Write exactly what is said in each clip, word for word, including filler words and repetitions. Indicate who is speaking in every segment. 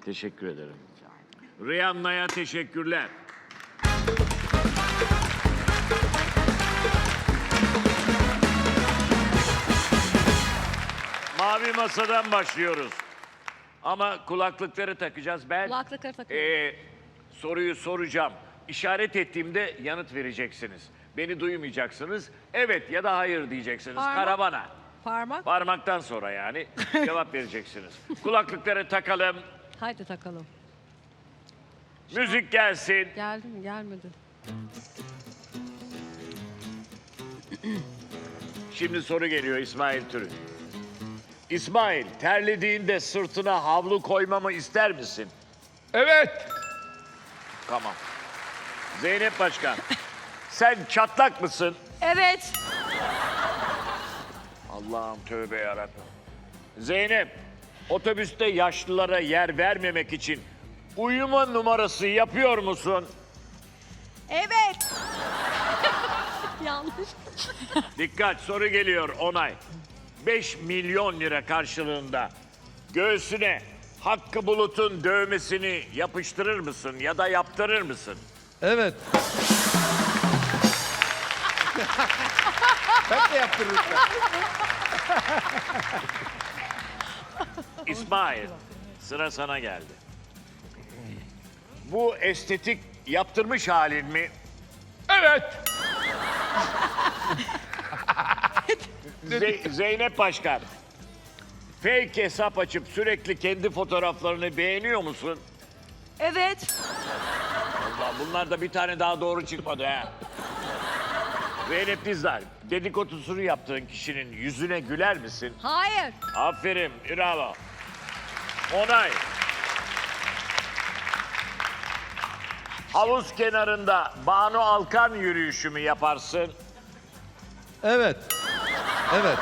Speaker 1: Teşekkür ederim. Rihanna'ya teşekkürler. Mavi masadan başlıyoruz. Ama kulaklıkları takacağız. Ben
Speaker 2: Kulaklıkları takıyorum.
Speaker 1: eee, soruyu soracağım. İşaret ettiğimde yanıt vereceksiniz. Beni duymayacaksınız. Evet ya da hayır diyeceksiniz.
Speaker 2: Parmak.
Speaker 1: Karavana.
Speaker 2: Parmak.
Speaker 1: Parmaktan sonra yani cevap vereceksiniz. Kulaklıkları takalım.
Speaker 2: Haydi takalım.
Speaker 1: Müzik gelsin.
Speaker 2: Geldi mi? Gelmedi.
Speaker 1: Şimdi soru geliyor İsmail Türün. İsmail, terlediğinde sırtına havlu koymamı ister misin?
Speaker 3: Evet.
Speaker 1: Tamam. Zeynep Başkan, sen çatlak mısın?
Speaker 2: Evet.
Speaker 1: Allah'ım tövbe yarabbim. Zeynep, otobüste yaşlılara yer vermemek için uyuma numarası yapıyor musun?
Speaker 2: Evet. Yanlış.
Speaker 1: Dikkat, soru geliyor onay. beş milyon lira karşılığında göğsüne Hakkı Bulut'un dövmesini yapıştırır mısın ya da yaptırır mısın?
Speaker 3: Evet. Ben de yaptırırım.
Speaker 1: İsmail, sıra sana geldi. Bu estetik yaptırmış halin mi?
Speaker 3: Evet.
Speaker 1: Ze- Zeynep Başkan, fake hesap açıp sürekli kendi fotoğraflarını beğeniyor musun?
Speaker 2: Evet.
Speaker 1: Allah, bunlarda bir tane daha doğru çıkmadı ha. Zeynep Dizdar, dedikodusunu yaptığın kişinin yüzüne güler misin?
Speaker 2: Hayır.
Speaker 1: Aferin, bravo. Onay. Havuz kenarında Banu Alkan yürüyüşü mü yaparsın?
Speaker 3: Evet. Evet.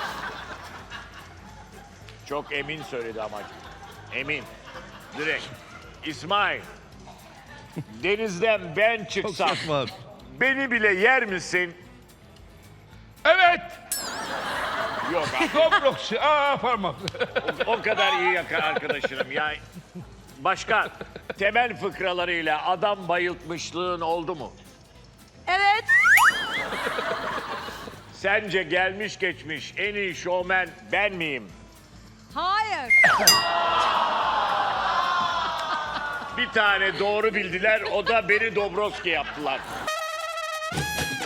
Speaker 1: Çok emin söyledi ama. Emin. Direkt. İsmail. Denizden ben
Speaker 3: Çok
Speaker 1: çıksam
Speaker 3: saçma abi.
Speaker 1: beni bile yer misin?
Speaker 3: Evet.
Speaker 1: Yok abi.
Speaker 3: Dobrokşi. Aa parmak.
Speaker 1: O kadar iyi yaka arkadaşım ya. Başkan, temel fıkralarıyla adam bayıltmışlığın oldu mu?
Speaker 2: Evet.
Speaker 1: Sence gelmiş geçmiş en iyi şovmen ben miyim?
Speaker 2: Hayır.
Speaker 1: Bir tane doğru bildiler, o da beni Dobrovski yaptılar.